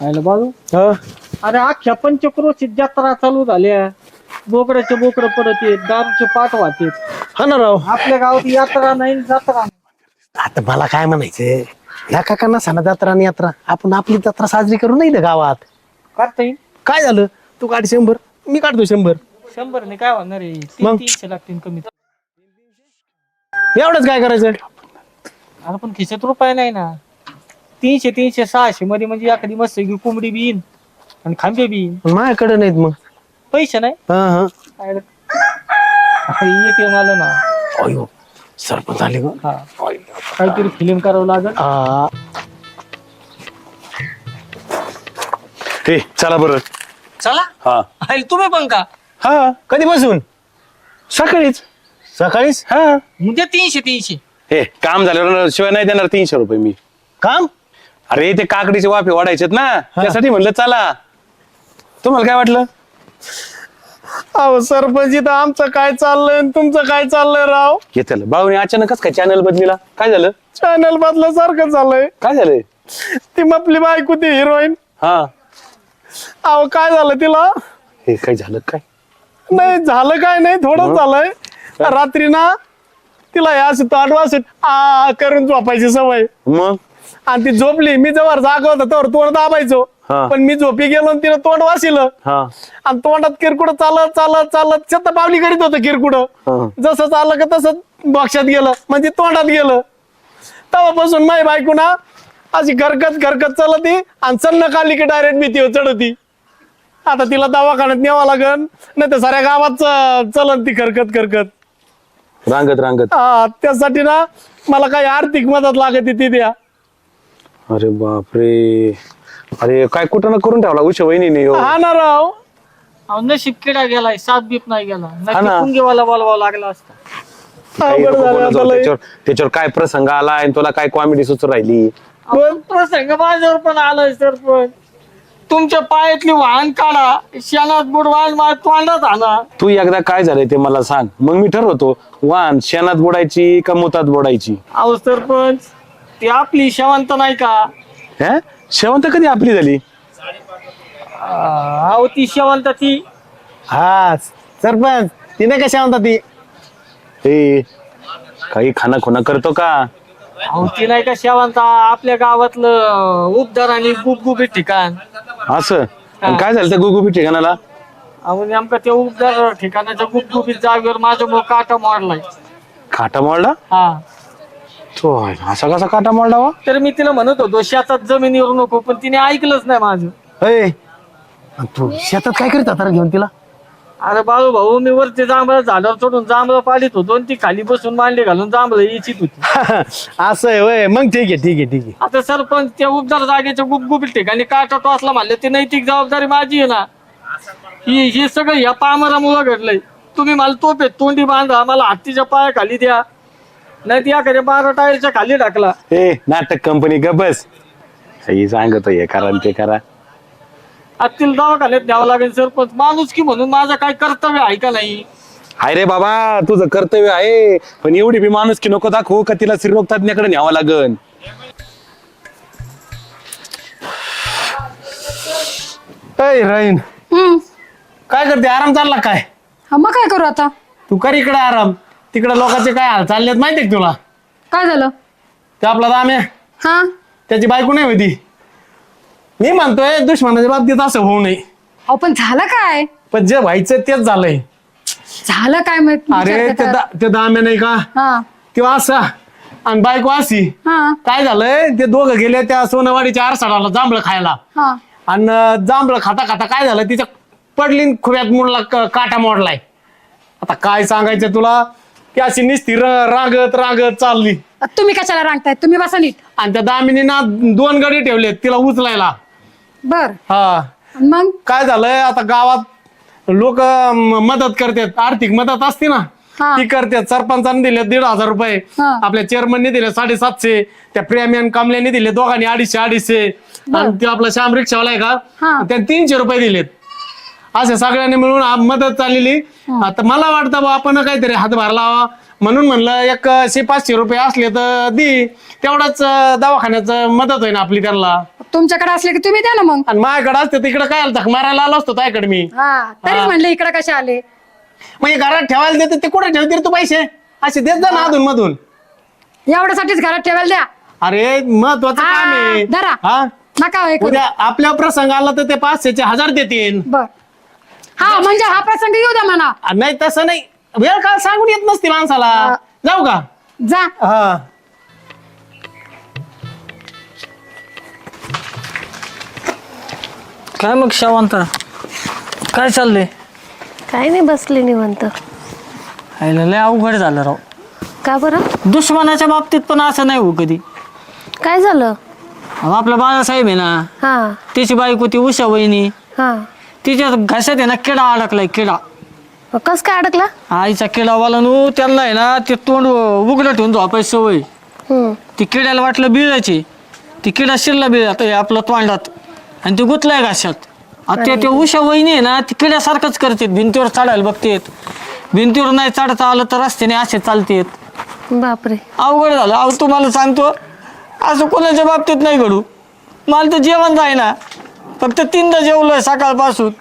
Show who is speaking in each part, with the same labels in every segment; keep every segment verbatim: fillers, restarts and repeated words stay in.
Speaker 1: आयला बाजू अरे अख्ख्या पंचक्रोशीत जत्रा चालू झाल्या, बोकड्याचे बोकड पडत येत, दारूचे पाठ वाहतेत.
Speaker 2: हा ना राव.
Speaker 1: आपल्या गावात यात्रा नाही जत्रा नाही.
Speaker 2: आता मला काय म्हणायचंय, ह्या काकांना सणा जत्रा आणि यात्रा, आपण आपली जत्रा साजरी करू नाही ना गावात.
Speaker 1: करता येईल.
Speaker 2: काय झालं, तू काढ शंभर, मी काढतो शंभर.
Speaker 1: शंभर ने काय होणार आहे, तीन
Speaker 2: मग?
Speaker 1: तीनशे लागतील कमीत.
Speaker 2: एवढंच काय करायचं.
Speaker 1: अरे पण खिशात रुपये नाही ना. तीनशे तीनशे सहाशे मध्ये म्हणजे एखादी मस्त कोंबडी बी येईन आणि खांबे बी येईन.
Speaker 2: माझ्याकडे नाहीत मग
Speaker 1: पैसे नाही.
Speaker 2: हा हा
Speaker 1: एटीएम आलं ना.
Speaker 2: अयो सरपंच आले ग.
Speaker 1: हा काहीतरी फिल्म करावं लागेल.
Speaker 2: हा.
Speaker 3: हे चला बरं.
Speaker 1: चला.
Speaker 3: हा
Speaker 1: अरे तुम्ही पण का?
Speaker 3: हा
Speaker 2: कधीपासून?
Speaker 3: सकाळीच.
Speaker 2: सकाळीच.
Speaker 3: हा
Speaker 1: म्हणजे तीनशे तीनशे
Speaker 3: हे काम झाल्यावर शिवाय नाही देणार तीनशे रुपये मी.
Speaker 2: काम?
Speaker 3: अरे ते काकडीचे वाफे वाढायचेत ना, त्यासाठी म्हणलं चला. तुम्हाला काय वाटलं?
Speaker 2: अहो सरपंच, इथं आमचं काय चाललंय आणि तुमचं काय चाललंय राव?
Speaker 3: घेतलं भाऊने अचानकच काय चॅनल बदलीला, काय झालं?
Speaker 2: चॅनल बदल्यासारखं झालंय.
Speaker 3: काय झालंय?
Speaker 2: ती आपली बायको ती हिरोईन,
Speaker 3: हा
Speaker 2: अहो काय झालं तिला?
Speaker 3: हे काय झालं काय?
Speaker 2: नाही झालं काय नाही, थोडं झालंय. रात्री ना तिला या असं ताडवास आ करून झोपायची सवय,
Speaker 3: मग
Speaker 2: आणि ती झोपली. मी जवळ जागा होता तर तोंड दाबायचो,
Speaker 3: हा.
Speaker 2: पण मी झोपी गेलो आणि तिला तोंड वासिलं,
Speaker 3: हा
Speaker 2: आणि तोंडात किरकुड चालत चालत चालत छत पावली करीत होतं किरकुड.
Speaker 3: हा.
Speaker 2: जसं चाललं का तसं बक्षात गेलं, म्हणजे तोंडात गेलं. तेव्हापासून माई बायको ना अशी घरकत घरकत चालती आणि चन्न काढली की डायरेक्ट भीतीवर चढती. आता तिला दवाखान्यात न्यावं लागन, नाही तर साऱ्या गावात चलत ती खरकत खरकत.
Speaker 3: रांगत रांगत.
Speaker 2: हा, त्यासाठी ना मला काही आर्थिक मदत लागते ती द्या.
Speaker 3: अरे बापरे, अरे काय कुठं ना करून ठेवला उशा वहिनी.
Speaker 2: हा ना राव.
Speaker 1: अहो नशीब किडा गेलाय, सात बीप नाही गेला.
Speaker 3: हा ना.
Speaker 1: नक्की पुंगीवाला बोलवावा लागला असता.
Speaker 2: अवघड झालं आता लय.
Speaker 3: त्याच्यावर त्याच्यावर काय प्रसंग आला आणि तुला काय कॉमेडी सुचू राहिली.
Speaker 1: अहो, प्रसंग माझ्यावर पण आलाय सरपंच. तुमच्या पायातली वाहन काढा, शेणात बुडवान माझ्या तोंडात आणा.
Speaker 3: तू एकदा काय झालंय ते मला सांग, मग मी ठरवतो वाहन शेणात बुडायची का मुतात बुडायची.
Speaker 1: अहो सरपंच, ती आपली शेवंत नाही का?
Speaker 3: हा शेवंत कधी आपली झाली?
Speaker 1: अहो ती शेवंत ती.
Speaker 2: हा सरपंच, तिने कशा म्हणतात ती?
Speaker 3: हे काही खाना खुना करतो का?
Speaker 1: अहो ती नाही का शेवंत, आपल्या गावातलं उपदार आणि गुपगुपीत ठिकाण.
Speaker 3: असं आणि काय झालं त्या गुगुबी ठिकाणाला?
Speaker 1: अहो नेमका त्या उपदार ठिकाणाच्या गुपगुपीत जागेवर माझ्यामुळे काटा मोडलाय.
Speaker 3: काटा मोडला?
Speaker 1: हा.
Speaker 3: तो असा कसा काटा मोडला वा?
Speaker 1: तर मी तिला म्हणत होतो शेतात जमिनीवर नको, पण तिने ऐकलंच नाही माझं.
Speaker 2: अय, तू शेतात काय करीत आता घेऊन तिला?
Speaker 1: अरे बाळू भाऊ, मी वरती जांभळं झाडावर चढून जांभळं पाडीत होतो आणि ती खाली बसून मांडली घालून जांभळं इच्छित होती.
Speaker 2: असं आहे वय, मग ठीक आहे ठीक आहे ठीक आहे.
Speaker 1: आता सरपंच त्या उपदार जागेच्या गुपगुपीत ठिकाणी काटा टोचला म्हणलं, ती नैतिक जबाबदारी माझी आहे ना. ही ही सगळं या पामरामुळं घडलंय. तुम्ही मला तोपेत तोंडी बांधा, मला हत्तीच्या पाया खाली द्या, नाही ती एखाद्या बारा टायरच्या खाली टाकला.
Speaker 3: ए नाटक कंपनी ग बस, हे सांगतो हे करा आणि ते करा.
Speaker 1: हत्तीला दवाखान्यात द्यावं लागेल सरपंच. माणूस की म्हणून माझं काय कर्तव्य आहे का नाही?
Speaker 3: हाय रे बाबा, तुझं कर्तव्य आहे, पण एवढी बी माणूस की नको दाखवू का तिला स्त्रीरोग तज्ञाकडे न्यावं लागन.
Speaker 2: अय राहीन,
Speaker 4: हम्म.
Speaker 2: काय करते? आराम चालला काय?
Speaker 4: हा मग काय करू आता?
Speaker 2: तू कर इकडे आराम, तिकडे लोकांचे काय हाल चाललेत माहितीये का तुला?
Speaker 4: काय झालं?
Speaker 2: ते आपला दाम्या,
Speaker 4: हा
Speaker 2: त्याची बायको नाही होती. मी म्हणतोय दुश्मनाच्या बाबतीत असं होऊ नये,
Speaker 4: अहो पण झालं काय?
Speaker 2: पण जे व्हायचं तेच झालंय.
Speaker 4: झालं काय मग?
Speaker 2: अरे
Speaker 4: विचार
Speaker 2: ते
Speaker 4: करा.
Speaker 2: दा- ते दाम्या नाही का,
Speaker 4: हा
Speaker 2: तेव्हा असा आणि बायको अशी.
Speaker 4: हा
Speaker 2: काय झालंय, ते दोघं गेले त्या सोनवाडीच्या आरसाडाला जांभळं खायला,
Speaker 4: हा
Speaker 2: आणि जांभळं खाता खाता काय झालं, तिच्या पडली न खुव्यात मोडला, क- काटा मोडलाय. आता काय सांगायचं तुला, ती अशी निस्ती र- रांगत रांगत चालली,
Speaker 4: तुम्ही कशाला रांगताय? तुम्ही बसा नीट.
Speaker 2: आणि त्या दामिनी ना दोन गडी ठेवलेत तिला उचलायला.
Speaker 4: बर
Speaker 2: हा
Speaker 4: मग
Speaker 2: काय झालंय, आता गावात लोक मदत करतात, आर्थिक मदत असते ना
Speaker 4: हा.
Speaker 2: ती करतात. सरपंचाने दिले दीड हजार रुपये,
Speaker 4: हा.
Speaker 2: आपल्या चेअरमनने दिले साडेसातशे, त्या प्रेमियन कमल्याने दिले दोघांनी अडीचशे अडीचशे, आणि ते आपला श्याम रिक्षावाला आहे
Speaker 4: हा.
Speaker 2: का, त्याने तीनशे रुपये दिलेत. असे सगळ्यांनी मिळून आ- मदत चाललेली. आता मला वाटतं बा आपण काहीतरी हातभार लावा, म्हणून म्हणलं एक शे पाचशे रुपये असले तर दी, तेवढाच दवाखान्याचं मदत होईल आपली त्यांना.
Speaker 4: तुमच्याकडे असले की तुम्ही द्या ना मग.
Speaker 2: आणि माझ्याकडे असते तिकडे काय झक मारायला आलो असतो त्याकडे मी.
Speaker 4: हा तरीच म्हणले इकडे कसे आले.
Speaker 2: मग हे घरात ठेवायला देते ते कुठे ठेवते रे तू पैसे? असे देत जा ना अधून मधून.
Speaker 4: एवढ्यासाठीच घरात ठेवायला द्या.
Speaker 2: अरे महत्वाचं
Speaker 4: हा,
Speaker 2: काम आहे.
Speaker 4: धरा.
Speaker 2: हा
Speaker 4: नका हे करू.
Speaker 2: उद्या आपल्या प्रसंग आला तर ते पाचशेचे हजार देतील.
Speaker 4: बर हा म्हणजे हा प्रसंग येऊ द्या म्हणा.
Speaker 2: नाही तसं नाही, वेळ काळ सांगून येत नसती माणसाला.
Speaker 4: हा.
Speaker 2: जाऊ का?
Speaker 4: जा.
Speaker 2: हा
Speaker 1: काय मग शावंता, काय चाललंय?
Speaker 5: काय नाही, बसले निवंत.
Speaker 1: आईला लय अवघड झालं राव.
Speaker 5: का बरं?
Speaker 1: दुश्मनाच्या बाबतीत पण असं नाही हो कधी.
Speaker 5: काय झालं?
Speaker 1: अहो, आपला बाळासाहेब आहे ना,
Speaker 5: हा
Speaker 1: त्याची बायको ती उषा वहिनी,
Speaker 5: हा
Speaker 1: तिच्या घशात आहे ना किडा अडकलाय, किडा.
Speaker 5: मग कस काय अडकला?
Speaker 1: आईचा किडावाला नू त्यांना आहे ना ते तोंड उघडं ठेवून झोपायची सवय.
Speaker 5: हम्म
Speaker 1: ती किड्याला वाटलं बिळाची, ती किडा शिरला बिळात आपल्या तोंडात आणि ती गुतलाय घशात. आता ते उषा वहिनी आहे ना ती किड्यासारखंच करतात, भिंतीवर चढायला बघतेत, भिंतीवर नाही चढता आलं तर रस्त्याने असे चालतेत.
Speaker 5: बापरे.
Speaker 1: अवघड झालं. अहो तुम्हाला सांगतो असं कोणाच्या बाबतीत नाही घडू. मला तर जेवण जाय ना, फक्त तीनदा जेवलोय सकाळपासून.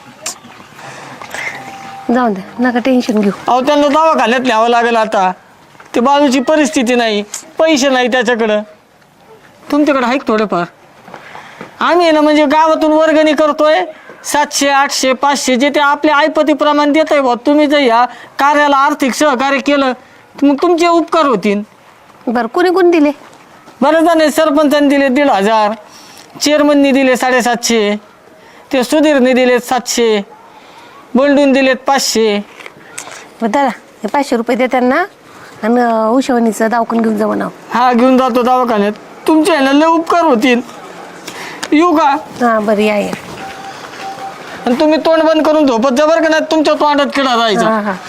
Speaker 5: जाऊ दे, नका टेन्शन घेऊ.
Speaker 1: अहो त्यांना दवाखान्यात न्यावं लागेल आता. ते बाजूची परिस्थिती नाही, पैसे नाही त्याच्याकडं. तुमच्याकडे आहे का थोडेफार? आम्ही आहे ना म्हणजे गावातून वर्गणी करतोय, सातशे आठशे पाचशे जे ते आपल्या ऐपतीप्रमाणे देत आहे बा. तुम्ही जर ह्या कार्याला आर्थिक सहकार्य केलं तर मग तुमचे उपकार होतील.
Speaker 5: बरं, कोणी कोणी दिले?
Speaker 1: बरेच जण सरपंचांनी दिले दीड हजार, चेअरमननी दिले साडेसातशे, ते सुधीरने दिलेत सातशे, बंडून दिलेत पाचशे.
Speaker 5: बरं दादा, हे पाचशे रुपये दे त्यांना आणि उशवणीचं दावकून घेऊन जाऊ ना.
Speaker 1: हा घेऊन जातो दवाखान्यात. तुमचे आहे ना लय उपकार होतील. येऊ का?
Speaker 5: हा बरं, या या.
Speaker 1: आणि तुम्ही तोंड बंद करून झोपत जा बरं का, नाही तुमच्या तोंडात किडा जायचा.
Speaker 5: हा हा.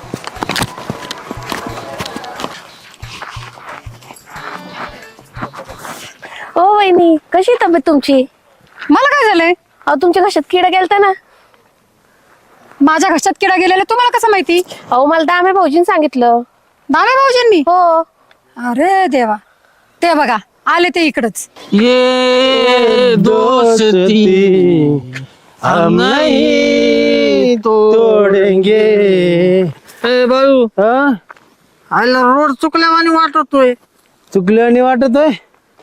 Speaker 5: ओ वहिनी, कशी तब्येत तुमची?
Speaker 4: मला काय झालंय?
Speaker 5: अहो तुमच्या घशात किडा गेलता ना.
Speaker 4: माझ्या घशात किडा गेलेला तुम्हाला कसं माहिती?
Speaker 5: अहो मला दामे भाऊजीने सांगितलं.
Speaker 4: दामे भाऊजींनी?
Speaker 5: हो.
Speaker 4: अरे देवा, ते बघा आले ते इकडच.
Speaker 1: ये दोस्ती हम नहीं
Speaker 2: तोडेंगे.
Speaker 1: ए बाळू,
Speaker 2: हा
Speaker 1: आयला रोड चुकल्यावानी वाटतोय.
Speaker 2: चुकल्याने वाटतोय.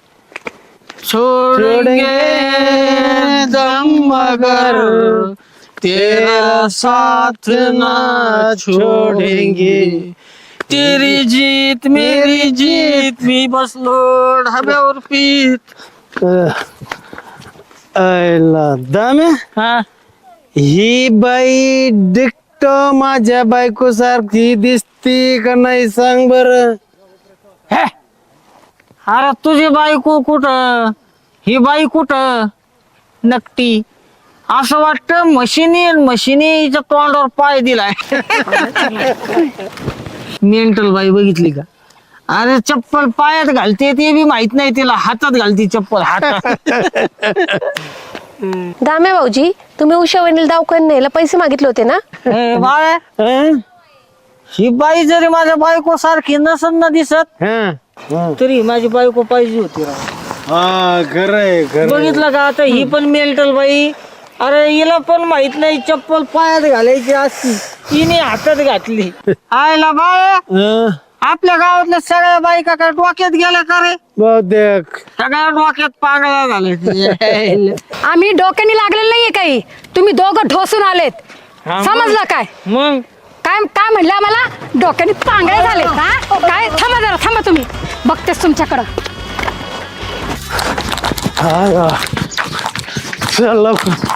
Speaker 1: छोडेंगे दम मगर तेरा साथ ना छोडेंगे. तेरी जीत मेरी जीत, मी बसलो ढाब्यावर पीत.
Speaker 2: आयला दाम्या,
Speaker 1: हा
Speaker 2: ही बाई डिक्ट माझ्या बायको सारखी दिसती का नाही सांग बर?
Speaker 1: अरे तुझी बायको कुठं, ही बाई कुठं नक्की? असं वाटतं मशिनी मशिनीच्या तोंडावर पाय दिलाय. मेंटल बाई बघितली का? अरे चप्पल पायात घालते ते बी माहित नाही तिला, हातात घालते चप्पल हातात.
Speaker 5: दामे भाऊजी, तुम्ही उषा वहिनीला दावकून न्यायला पैसे मागितले होते ना?
Speaker 1: ए बाळे, ही बाई जरी माझ्या बायको सारखी नसन ना दिसत तरी माझी बायको पाहिजे होती राव.
Speaker 2: हा खरंय खरं.
Speaker 1: बघितलं का आता ही पण मेंटल बाई. अरे हिला पण माहित नाही चप्पल पायात घालायची असती, तिने हातात घातली. आयला बाळ, आपल्या गावातल्या सगळ्या बायका काय डोक्यात गेल्या का रे?
Speaker 2: बहुतेक
Speaker 1: सगळ्या डोक्यात पागळ्या झाल्या.
Speaker 4: आम्ही डोक्याने लागलेलं नाहीये काही, तुम्ही दोघं ढोसून आलेत. समजलं काय?
Speaker 1: मग
Speaker 4: काय काय म्हणलं आम्हाला? डोक्याने पांगळे झाले हा? काय? थांबा जरा, थांबा तुम्ही, बघतेस तुमच्याकडं.
Speaker 2: चला.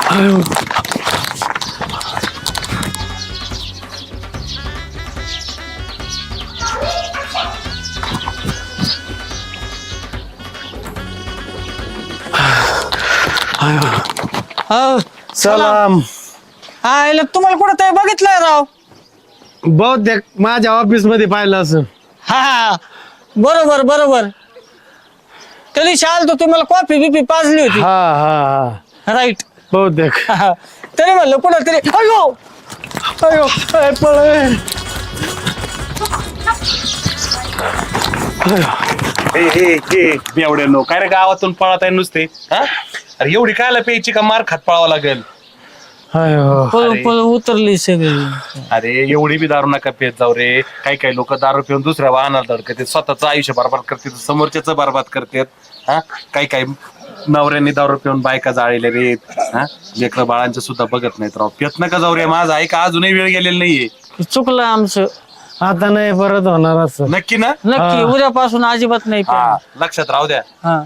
Speaker 1: हो
Speaker 2: सलाम.
Speaker 1: आयला तुम्हाला कुठं ते बघितलंय राव?
Speaker 2: बहुतेक माझ्या ऑफिस मध्ये पाहिलं असं.
Speaker 1: हा बरोबर बरोबर. त्या दिवशी आलतो तुम्हाला कॉफी बिपी पाजली होती.
Speaker 2: हा हा हा
Speaker 1: राईट.
Speaker 2: बहुतेक.
Speaker 1: तरी म्हणलं कुठं तरी. अयो
Speaker 2: अयो काय पळ.
Speaker 3: हे हे हे बेवड्यानो काय रे गावातून पळत आहे नुसते हा अरे एवढी कायला प्यायची का मार खात पळावं लागेल
Speaker 1: पळ पळ उतरली सगळी.
Speaker 3: अरे एवढी बी दारू नका पेत जाऊ रे. काही काही लोक दारू पिऊन दुसऱ्या वाहनाला धडकतात स्वतःच आयुष्य बरबाद करतात समोरच्याच बरबाद करतात हा काही काही नवऱ्यांनी दारू पिऊन बायका जाळले रे हा लेकरं बाळांचं सुद्धा बघत नाहीत राव. पेत नका जाऊ रे माझा ऐका अजूनही वेळ गेलेला नाहीये.
Speaker 1: चुकलं आमचं.
Speaker 2: आता नाही परत होणार असं.
Speaker 3: नक्की ना
Speaker 1: नक्की उद्यापासून अजिबात नाही
Speaker 3: हा
Speaker 1: प्यायला.
Speaker 3: लक्षात राहू द्या.
Speaker 1: हा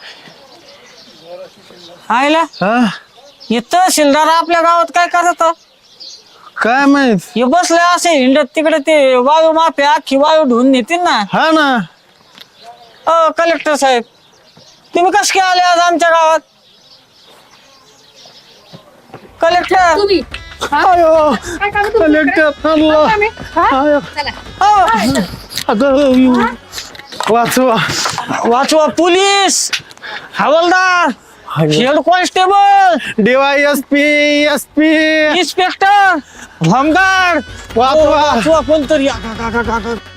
Speaker 1: आयला
Speaker 2: हा
Speaker 1: हे तहसीलदार आपल्या गावात काय करत
Speaker 2: काय माहित.
Speaker 1: हे बसले असे हिंडत तिकडे ते वायू माफिया अख्खी वायू धुवून नेतील ना.
Speaker 2: हा ना
Speaker 1: अ कलेक्टर साहेब तुम्ही कस काय आले आज आमच्या गावात. कलेक्टर
Speaker 4: तुम्ही हा?
Speaker 2: अयो
Speaker 4: काय काम तुमचं?
Speaker 2: कलेक्टर अल्ला.
Speaker 4: आम्ही? हा?
Speaker 2: अयो.
Speaker 4: चला.
Speaker 1: अ,
Speaker 2: अगं वाचवा.
Speaker 1: वाचवा पोलीस हवालदार head constable
Speaker 2: DY S P S P
Speaker 1: inspector home guard
Speaker 2: वाचवा.
Speaker 1: वाचवा कोणतरी. आ, आ, आ, आ, आ, आ.